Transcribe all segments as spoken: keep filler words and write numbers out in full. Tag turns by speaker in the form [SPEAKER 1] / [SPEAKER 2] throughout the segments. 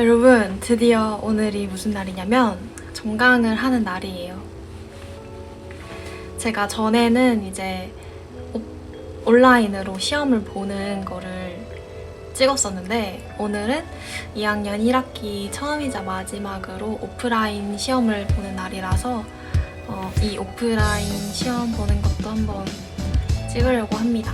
[SPEAKER 1] 여러분, 드디어 오늘이 무슨 날이냐면 종강을 하는 날이에요. 제가 전에는 이제 온라인으로 시험을 보는 거를 찍었었는데 오늘은 이 학년 일 학기 처음이자 마지막으로 오프라인 시험을 보는 날이라서 어, 이 오프라인 시험 보는 것도 한번 찍으려고 합니다.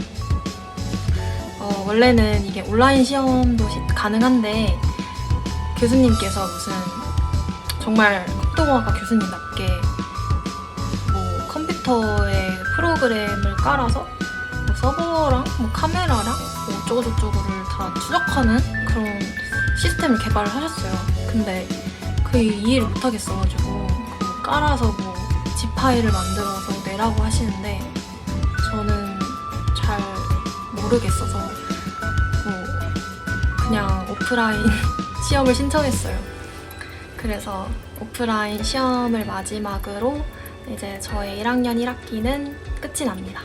[SPEAKER 1] 어, 원래는 이게 온라인 시험도 시, 가능한데 교수님께서 무슨 정말 국토공학과 교수님답게 뭐 컴퓨터에 프로그램을 깔아서 뭐 서버랑 뭐 카메라랑 뭐 어쩌고저쩌고를 다 추적하는 그런 시스템을 개발을 하셨어요. 근데 그 이해를 못하겠어가지고 그 깔아서 뭐 집 파일을 만들어서 내라고 하시는데 저는 잘 모르겠어서 뭐 그냥 오프라인 시험을 신청했어요. 그래서 오프라인 시험을 마지막으로 이제 저의 일 학년 일 학기는 끝이 납니다.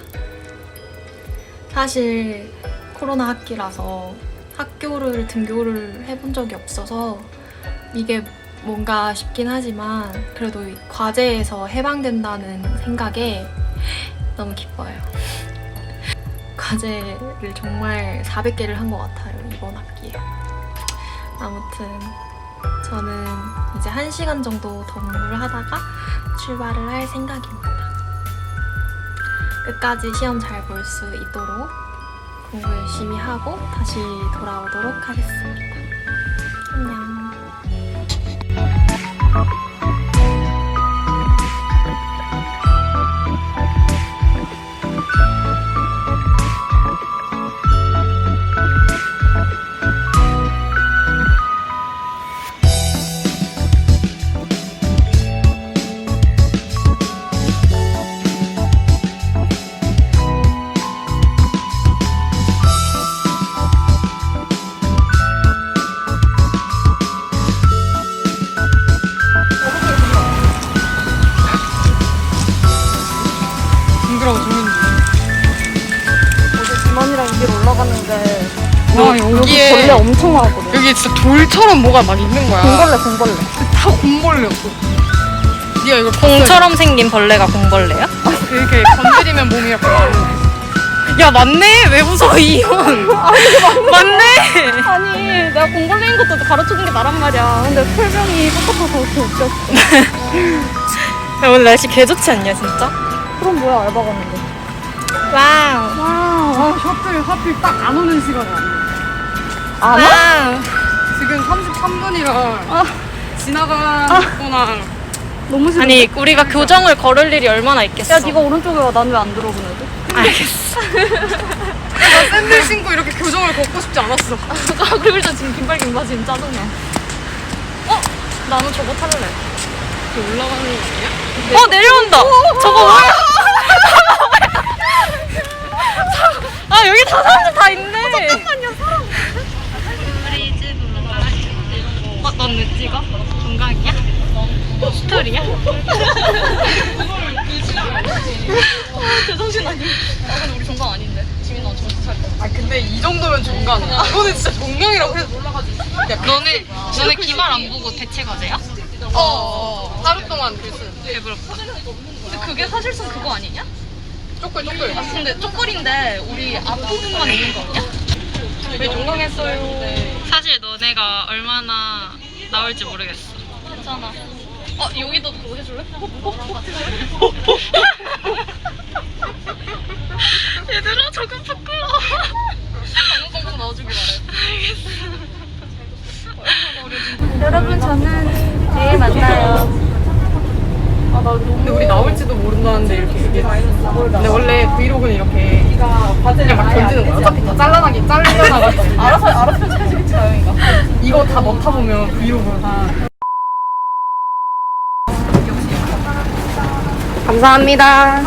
[SPEAKER 1] 사실 코로나 학기라서 학교를 등교를 해본 적이 없어서 이게 뭔가 싶긴 하지만 그래도 과제에서 해방된다는 생각에 너무 기뻐요. 과제를 정말 사백 개를 한 것 같아요, 이번 학기에. 아무튼 저는 이제 한 시간 정도 더 공부를 하다가 출발을 할 생각입니다. 끝까지 시험 잘 볼 수 있도록 공부 열심히 하고 다시 돌아오도록 하겠습니다. 안녕.
[SPEAKER 2] 올라갔는데
[SPEAKER 3] 와,
[SPEAKER 2] 여기,
[SPEAKER 3] 여기에
[SPEAKER 2] 여기 벌레 엄청 많거든.
[SPEAKER 3] 여기 진짜 돌처럼 뭐가 막 있는 거야.
[SPEAKER 2] 공벌레 공벌레.
[SPEAKER 3] 다 공벌레였어. 네가 이걸
[SPEAKER 4] 공처럼 생긴 벌레가 공벌레야?
[SPEAKER 3] 이렇게 건드리면 몸이 이렇게 마르네.
[SPEAKER 4] 야 맞네! 왜 웃어 이혼! 맞네!
[SPEAKER 2] 아니 내가 공벌레인 것도 가르쳐준 게 나란 말이야. 근데 설명이 똑같아서 이렇게 웃겼어.
[SPEAKER 4] 야, 오늘 날씨 개 좋지 않냐 진짜?
[SPEAKER 2] 그럼 뭐야, 알바 갔는데.
[SPEAKER 4] 와우!
[SPEAKER 3] 아, 셔틀 하필 딱 안 오는 시간에 안 와.
[SPEAKER 2] 안 와?
[SPEAKER 4] 와우!
[SPEAKER 3] 지금 삼십삼 분이라
[SPEAKER 2] 아.
[SPEAKER 3] 지나가거나
[SPEAKER 2] 너무 싫어.
[SPEAKER 4] 아니 우리가 교정을 걸을 일이 얼마나 있겠어.
[SPEAKER 2] 야 네가 오른쪽에 와. 난 왜 안 들어 그래도?
[SPEAKER 4] 알겠어.
[SPEAKER 3] 나 샌들 신고 이렇게 교정을 걷고 싶지 않았어.
[SPEAKER 4] 아 그리고 일단 지금 긴발 긴바 지금 짜증나. 어? 나는 저거 탈래.
[SPEAKER 3] 이렇게 올라가는 거 아니야?
[SPEAKER 4] 어 내려온다! 저거 뭐야? 아 여기 다 사람들 다 있네. 잠깐만요, 사람. 우리 집 어, 넌 왜 찍어? 건강이야? 스토리야? 아, 제정신 아니야. 아, 근데 우리 정강 아닌데. 지민아 정신 차려.
[SPEAKER 3] 아 근데 이 정도면 종강이야. 이거는 진짜 종강이라고 해서 올라가지.
[SPEAKER 4] 너네 너네 기말 안 보고 대체 과제야?
[SPEAKER 3] 어, 어. 하루 동안 글쓰.
[SPEAKER 4] 배부럽다. 근데 그게 사실상 그거 아니냐?
[SPEAKER 3] 쪼끌 쪼끌.
[SPEAKER 4] 아 근데 쪼끌인데 우리 앞부분만 있는 거 아니야?
[SPEAKER 3] 왜 종강했어요?
[SPEAKER 4] 사실 너네가 얼마나 나올지 모르겠어. 괜찮아. 어 여기도 그거 해줄래? 얘들아 저거 부끄러워. 방송 넣어주기 바래. 알겠어.
[SPEAKER 2] 여러분 저는 내일 만나요.
[SPEAKER 3] 근데 우리 나올지도 모른다는데 이렇게 얘기해. 근데 원래 브이로그는 이렇게 그냥 막 던지는 거야. 어차피 다 잘라나긴 잘려나가지고.
[SPEAKER 2] 알아서 알아서 찾아주겠지 나영이가.
[SPEAKER 3] 이거 다 넣다 보면 브이로그 한. 감사합니다.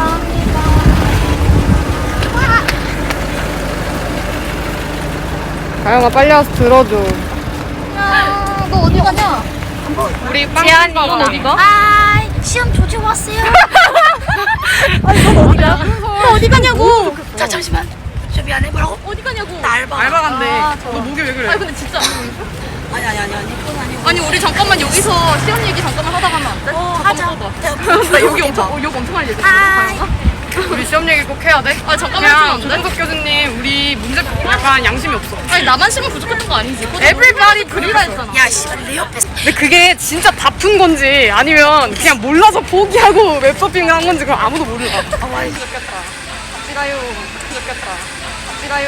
[SPEAKER 3] 가영아 빨리 와서 들어줘.
[SPEAKER 2] 야, 너 어디 가냐?
[SPEAKER 3] 우리 빵
[SPEAKER 4] 지안이
[SPEAKER 3] 넌
[SPEAKER 4] 어디 가?
[SPEAKER 2] 아, 시험 조지고 왔어요. 아니 넌 어디야? 너 어디 가냐고? 자 잠시만. 저 미안해 뭐라고? 어디 가냐고? 나 알바.
[SPEAKER 3] 알바 간대.
[SPEAKER 2] 아,
[SPEAKER 3] 너 목이 왜 그래?
[SPEAKER 2] 아니 근데 진짜 아니 아니 아니 아니 그건 아니고.
[SPEAKER 3] 아니 우리 잠깐만 여기서 시험 얘기 잠깐만 하다 가면 안 돼?
[SPEAKER 2] 어
[SPEAKER 3] 잠깐만
[SPEAKER 2] 하자.
[SPEAKER 3] 하자. 나 여기 엄청 어, 욕 엄청 할 예정이야.
[SPEAKER 2] 하이.
[SPEAKER 3] 우리 시험 얘기 꼭 해야 돼? 아 잠깐만 하면 안 돼? 조정석 교수님 우리 문제 약간 양심이 없어.
[SPEAKER 4] 아니 나만 시험 부족했던 거 아니지?
[SPEAKER 3] Everybody 그리라 했잖아.
[SPEAKER 2] 야 씨발 내 옆에.
[SPEAKER 3] 근데 그게 진짜 다 푼 건지 아니면 그냥 몰라서 포기하고 웹서핑을 한 건지 그럼 아무도 몰라. 아 와, 부족했다. 같이 가요. 부족했다. 같이 가요.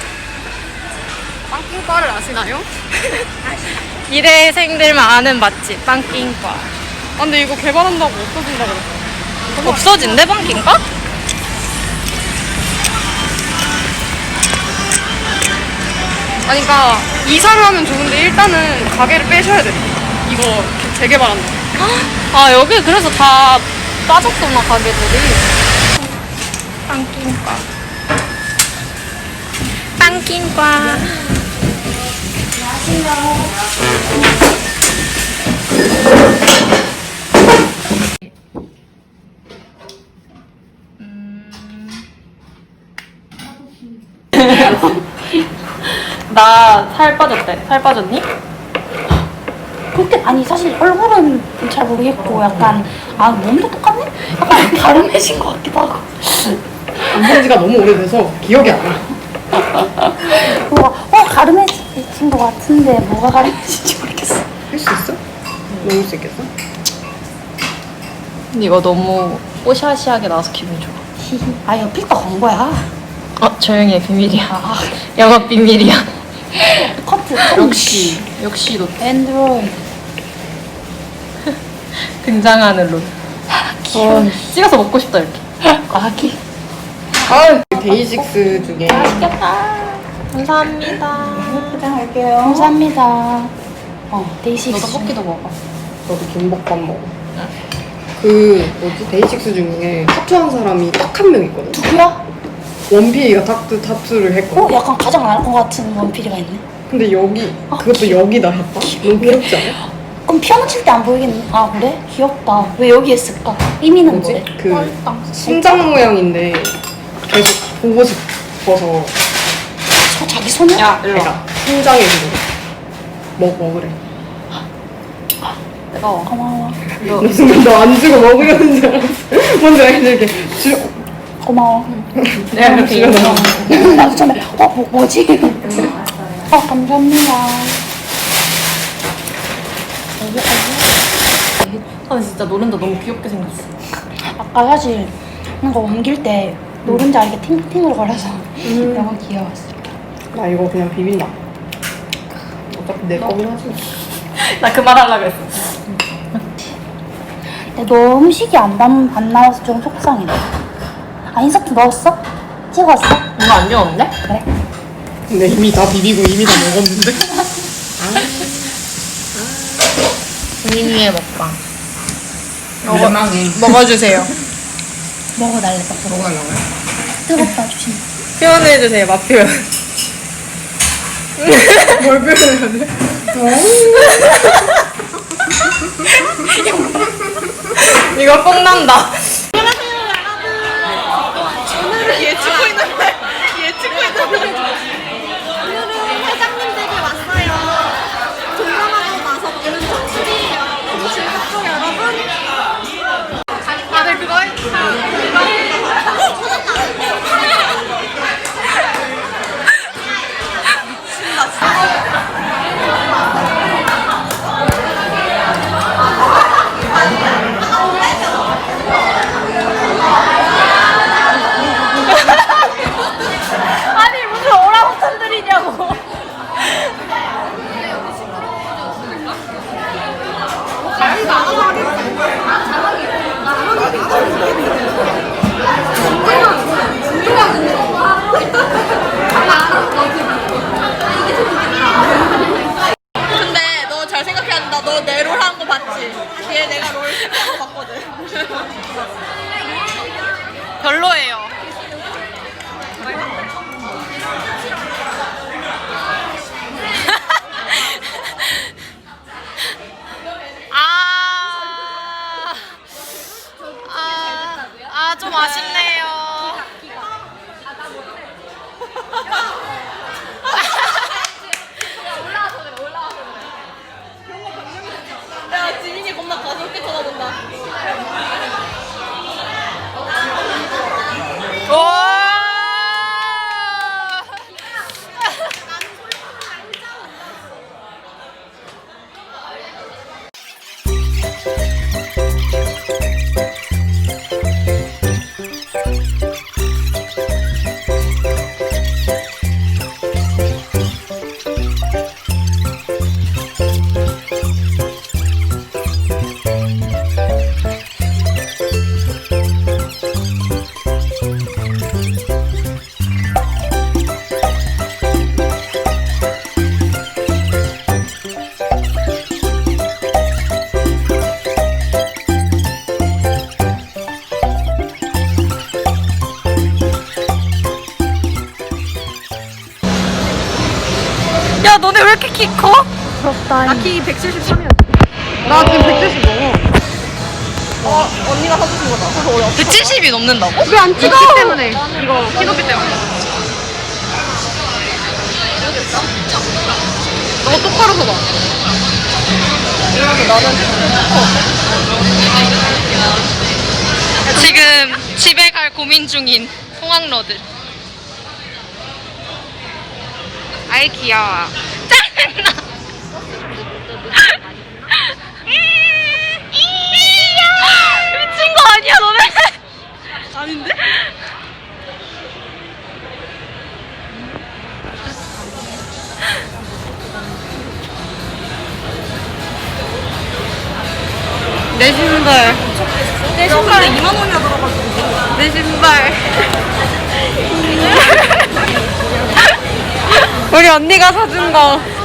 [SPEAKER 3] 빵킹과를 아시나요?
[SPEAKER 4] 일회생들만 아는 맛집 빵킹과.
[SPEAKER 3] 아 근데 이거 개발한다고 없어진다 그랬어.
[SPEAKER 4] 없어진대 빵킹과?
[SPEAKER 3] 아니 그러니까 이사를 하면 좋은데 일단은 가게를 빼셔야 돼. 이거 재개발한다.
[SPEAKER 4] 아 여기 그래서 다 빠졌구나 가게들이. 빵킹과. 빵킹과. 나 살 빠졌대. 살 빠졌니?
[SPEAKER 2] 그렇게 아니 사실 얼굴은 잘 모르겠고 약간 아 몸도 똑같네? 약간 가름해진 것 같기도 하고.
[SPEAKER 3] 안 본 지가 너무 오래돼서 기억이 안 나.
[SPEAKER 2] 뭐가 어 가름해진 것 같은데 뭐가 가름해진지 모르겠어.
[SPEAKER 3] 할 수 있어? 먹을 수 있겠어?
[SPEAKER 4] 근데 이거 너무 뽀샤시하게 나와서 기분이 좋아.
[SPEAKER 2] 히히. 아 이거 필터 건 거야.
[SPEAKER 4] 어 조용히 해. 비밀이야.
[SPEAKER 2] 아
[SPEAKER 4] 영업 비밀이야.
[SPEAKER 2] 커트.
[SPEAKER 4] 역시 역시 너
[SPEAKER 2] 앤드로이드.
[SPEAKER 4] 등장하는 론.
[SPEAKER 2] 귀여워.
[SPEAKER 4] 찍어서 먹고 싶다 이렇게.
[SPEAKER 2] 아기.
[SPEAKER 3] 아 데이식스 중에
[SPEAKER 2] 맛있겠다.
[SPEAKER 4] 감사합니다.
[SPEAKER 2] 포장할게요. 감사합니다. 어 데이식스.
[SPEAKER 4] 너도 볶기도 먹어.
[SPEAKER 3] 저도 김밥밥 먹어. 그 뭐지 데이식스 중에 타투한 사람이 딱 한 명 있거든.
[SPEAKER 2] 누구야?
[SPEAKER 3] 원필이가 타투 타투를
[SPEAKER 2] 어
[SPEAKER 3] 했거든.
[SPEAKER 2] 약간 가장 안 할 것 같은 원필이가 있네.
[SPEAKER 3] 근데 여기 그것도 여기다 했다. 너무 귀엽지 않아?
[SPEAKER 2] 그럼 피아노 칠 때 안 보이겠네. 아 그래? 귀엽다. 왜 여기 했을까? 의미는
[SPEAKER 3] 뭐지?
[SPEAKER 2] 뭐래?
[SPEAKER 3] 그 심장 모양인데 계속 보고 싶어서
[SPEAKER 2] 저 자기 손이야?
[SPEAKER 4] 야 일로 와.
[SPEAKER 3] 내가 심장에 그거 먹 먹으래.
[SPEAKER 4] 뜨거워.
[SPEAKER 2] 고마워.
[SPEAKER 3] 나 순간 너 안 주고 먹으려는 줄 알았어. 뭔지 알지? 이렇게 주
[SPEAKER 2] 고마워.
[SPEAKER 4] 내가 그렇게
[SPEAKER 3] 주변에
[SPEAKER 4] 인정.
[SPEAKER 2] 나도 처음에 어 뭐, 뭐지? 어 감사합니다.
[SPEAKER 4] 아 진짜 노른자 너무 귀엽게 생겼어.
[SPEAKER 2] 아까 사실 뭔가 옮길 때 노른자 이렇게 팅팅으로 걸려서 너무 귀여웠어.
[SPEAKER 3] 나 이거 그냥 비빈다. 어차피 내 거긴 하지.
[SPEAKER 4] 나 그 말 하려고 했어.
[SPEAKER 2] 근데 너 음식이 안, 남, 안 나와서 좀 속상이네. 아 인서트 넣었어? 찍었어?
[SPEAKER 4] 이거 안 귀여운데?
[SPEAKER 2] 그래.
[SPEAKER 3] 근데 이미 다 비비고 이미 다 먹었는데.
[SPEAKER 4] 본인위의 먹방.
[SPEAKER 3] 대망해.
[SPEAKER 4] 먹어주세요.
[SPEAKER 2] 먹어달래 딱
[SPEAKER 3] 먹어달라고요?
[SPEAKER 2] 뜨겁다 조심.
[SPEAKER 4] 표현해주세요. 맛 표현.
[SPEAKER 3] 뭘 표현해야 돼?
[SPEAKER 4] 이거 뽕 난다.
[SPEAKER 3] 다들 그거 해?
[SPEAKER 4] 야 너네 왜 이렇게 키 커?
[SPEAKER 3] 나 키 백칠십삼이야. 나 지금 백칠십 넘어. 어, 언니가 사주신 거다. 그래서 어디 없어.
[SPEAKER 4] 백칠십이 넘는다고?
[SPEAKER 3] 왜 안 찍어? 키 때문에. 이거 키 높이 때문에. 너 똑바로 서봐. 이러면 나는
[SPEAKER 4] 지금 집에 갈 고민 중인 송악러들. 아이 귀여워. 짜증나. 미친 거 아니야 너네? 아닌데? 내 신발. 내 신발에 이만 원이나 들어가지고. 내 신발. 우리 언니가 사준 거.